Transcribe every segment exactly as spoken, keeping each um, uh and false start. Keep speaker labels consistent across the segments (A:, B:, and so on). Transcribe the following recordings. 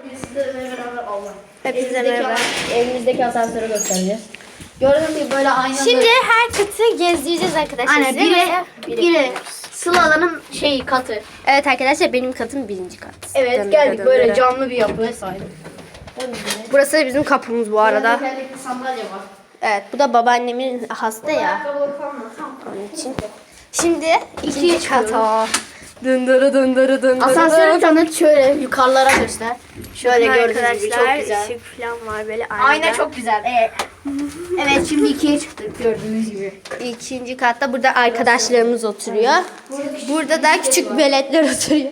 A: Hepinize merhaba.
B: Evimizdeki asansörü göstereceğiz. Gördüğünüz gibi böyle aynalı.
A: Şimdi her katı gezdireceğiz arkadaşlar.
B: Aynen
A: Size
B: biri,
A: mesela
B: biri Sıla'nın şeyi katı.
A: Evet arkadaşlar benim katım birinci kat.
B: Evet
A: Dön,
B: geldik
A: dön,
B: böyle
A: dön.
B: canlı bir yapıya sahip.
A: Burası da bizim kapımız bu arada.
B: Tekerlekli sandalye var.
A: Evet bu da babaannemin hasta ya.
B: Ayakkabıları falan var. Tamam.
A: Onun için. Şimdi
B: İkiye
A: ikinci kata. Dındırı dındırı dındırı.
B: Asansörü tanıt şöyle yukarılara göster. Şöyle gördüğünüz gibi çok
A: Arkadaşlar
B: güzel.
A: ışık falan var böyle aynada.
B: Ayna çok güzel. Evet. Evet şimdi ikiye çıktık gördüğünüz gibi.
A: İkinci katta burada arkadaşlarımız oturuyor. Burada da küçük veletler oturuyor.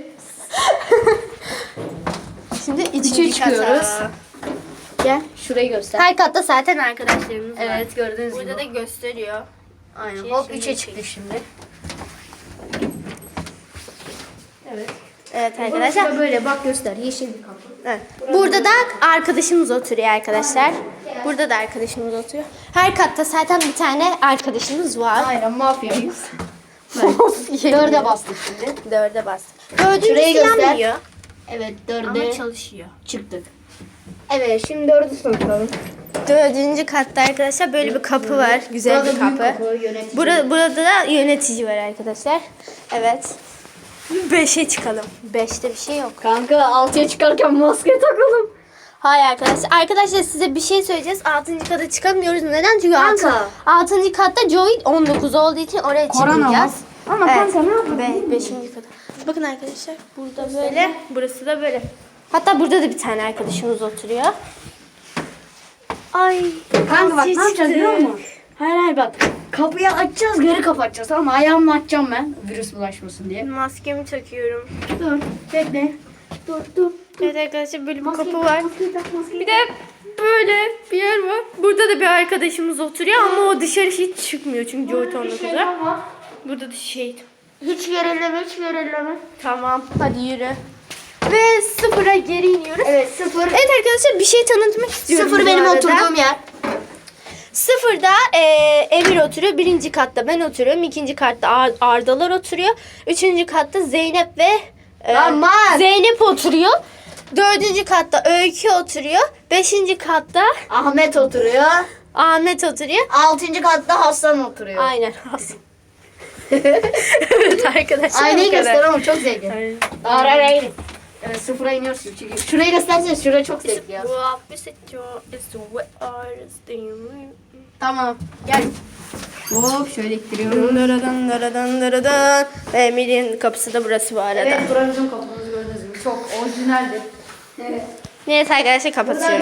A: Şimdi üçüncü
B: çıkıyoruz.
A: kata.
B: Gel şurayı göster.
A: Her katta zaten arkadaşlarımız var.
B: Evet gördüğünüz gibi.
A: Burada da gösteriyor.
B: Aynen.
A: Şey,
B: Hop
A: şimdi
B: üçe çıktık şimdi. Evet.
A: Evet
B: Burası
A: arkadaşlar.
B: da böyle bak göster yeşil bir kapı.
A: Evet. Burada da arkadaşımız oturuyor arkadaşlar. Burada da arkadaşımız oturuyor. Her katta zaten bir tane arkadaşımız var.
B: Aynen mafyayız. Dörde bastık şimdi.
A: Dörde bastık. Dördüncü
B: Şurayı göster.
A: yanmıyor.
B: Evet dörde
A: Ama çalışıyor.
B: çıktık. Evet şimdi dördü sınıftalım.
A: Dördüncü katta arkadaşlar böyle bir kapı var. Güzel
B: Burada
A: bir
B: büyük
A: kapı.
B: kapı, yönetici.
A: Burada, burada da yönetici var arkadaşlar. Evet. Beşe çıkalım. Beşte bir şey yok.
B: Kanka altıya çıkarken maske takalım.
A: Hayır arkadaşlar. Arkadaşlar size bir şey söyleyeceğiz. Altıncı kata çıkamıyoruz. Neden? Çünkü
B: Kanka.
A: altı, altıncı katta Joey on dokuz olduğu için oraya
B: Korona
A: çıkmayacağız.
B: var. Ama kanka ne yapalım?
A: Be, beşinci kata. Bakın arkadaşlar burada böyle. Burası da böyle. Hatta burada da bir tane arkadaşımız oturuyor. Ay.
B: Kanka bak
A: altı
B: ne yapacağız
A: çıktı.
B: biliyor musun? Hayır hayır bak. Kapıyı açacağız geri kapatacağız tamam mı? Ayağımla açacağım ben. Virüs bulaşmasın diye.
A: Maskemi takıyorum.
B: Dur bekle. Dur dur.
A: Evet arkadaşlar böyle bir
B: Maskeyi
A: kapı
B: tak,
A: var.
B: maskeyi tak, maskeyi
A: Bir de böyle bir yer var. Burada da bir arkadaşımız oturuyor ama o dışarı hiç çıkmıyor çünkü Joey on dokuz'a. Burada da şey.
B: Hiç gerileme hiç gerileme.
A: Tamam hadi yürü. Ve sıfıra geri iniyoruz.
B: Evet sıfır.
A: Evet arkadaşlar bir şey tanıtmak istiyorum.
B: Sıfır
A: bu
B: benim
A: arada.
B: oturduğum yer.
A: Sıfırda e, Emir oturuyor. Birinci katta ben oturuyorum. İkinci katta Ar- Ardalar oturuyor. Üçüncü katta Zeynep ve e,
B: Aman!
A: Zeynep oturuyor. Dördüncü katta Öykü oturuyor. Beşinci katta
B: Ahmet oturuyor.
A: Ahmet oturuyor.
B: Altıncı katta Hasan oturuyor.
A: Aynen. Evet arkadaşlar.
B: Aynayı
A: bu kadar.
B: göster ama çok zevkli.
A: Aynen.
B: Ağır ağır ağır. Evet sıfıra iniyorsun çünkü. Şurayı göstersene şura çok zevkli ya. Tamam gel. Hop şöyle ittiriyorum.
A: Daradan daradan daradan. Emir'in kapısı da burası bu arada.
B: Evet buranın kapımız gördüğünüz gibi çok orijinaldir. Evet.
A: Neyse arkadaşlar kapatıyorum.